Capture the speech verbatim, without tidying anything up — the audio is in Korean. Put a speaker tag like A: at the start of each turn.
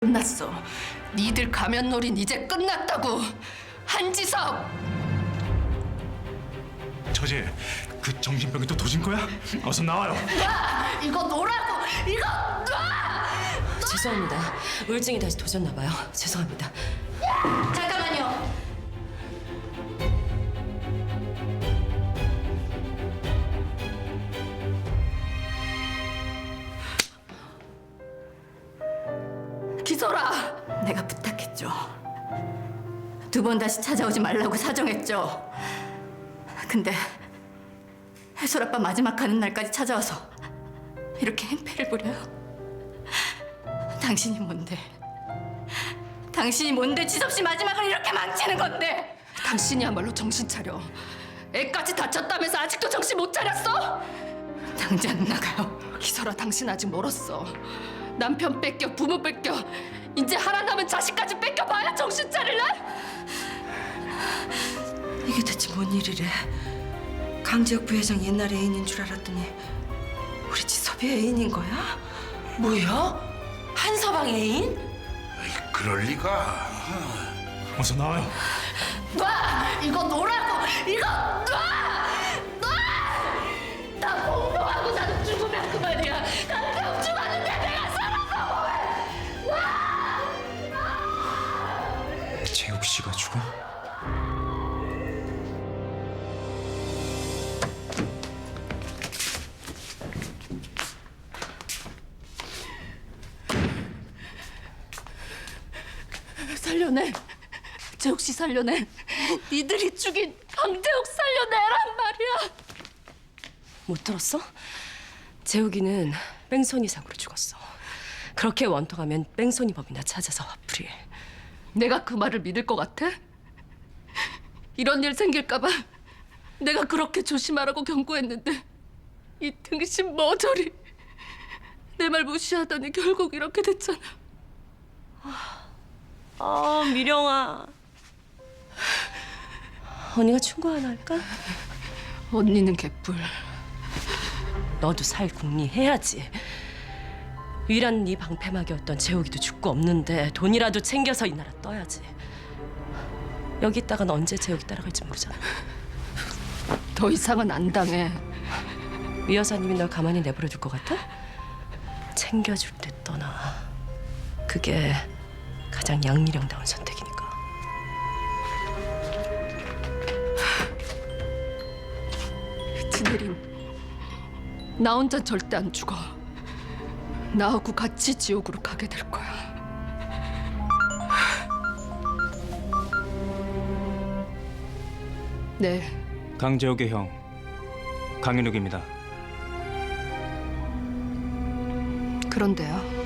A: 끝났어. 니들 가면놀이는 이제 끝났다고. 한지석!
B: 저지, 그 정신병이 또 도진 거야? 어서 나와요.
A: 놔! 이거 놓으라고! 이거 놔!
C: 죄송합니다. 우울증이 다시 도졌나 봐요. 죄송합니다.
A: 잠깐만요. 기소라! 내가 부탁했죠. 두 번 다시 찾아오지 말라고 사정했죠. 근데 해솔 아빠 마지막 가는 날까지 찾아와서 이렇게 행패를 부려요. 당신이 뭔데? 당신이 뭔데 지섭씨 마지막을 이렇게 망치는 건데? 당신이야말로 정신 차려. 애까지 다쳤다면서 아직도 정신 못 차렸어? 당장 나가요. 기설아, 당신 아직 멀었어. 남편 뺏겨, 부모 뺏겨, 이제 하나 남은 자식까지 뺏겨봐야 정신 차릴래?
D: 이게 대체 뭔 일이래? 강재혁 부회장 옛날 애인인 줄 알았더니 우리 지섭이 애인인 거야?
C: 뭐야? 한서방 애인?
E: 그럴 리가.
B: 어서 나와요.
A: 놔! 이거 놓으라고! 이거 놔! 놔! 나 폭로하고 나도 죽으면 그만이야. 강태욱 죽었는데 내가 살아서 뭐해!
B: 재욱 씨가 죽어?
A: 살려내. 재욱 씨 살려내. 니들이 죽인 강재욱 살려내란 말이야.
C: 못 들었어? 재욱이는 뺑소니 사고로 죽었어. 그렇게 원통하면 뺑소니 법이나 찾아서 화풀이해.
A: 내가 그 말을 믿을 것 같아? 이런 일 생길까 봐 내가 그렇게 조심하라고 경고했는데 이 등신 머저리 내 말 무시하더니 결국 이렇게 됐잖아.
C: 아, 미령아. 언니가 충고 하나 할까?
A: 언니는 개뿔.
C: 너도 살 궁리해야지. 유일한 네 방패막이었던 재욱이도 죽고 없는데 돈이라도 챙겨서 이 나라 떠야지. 여기 있다간 언제 재욱이 따라갈지 모르잖아.
A: 더 이상은 안 당해.
C: 위 여사님이 널 가만히 내버려 둘 것 같아? 챙겨줄 때 떠나. 그게 가장 양미령다운 선택이니까.
A: 진혜림, 나 혼자 절대 안 죽어. 나하고 같이 지옥으로 가게 될 거야. 네,
F: 강재욱의 형 강윤욱입니다.
A: 그런데요.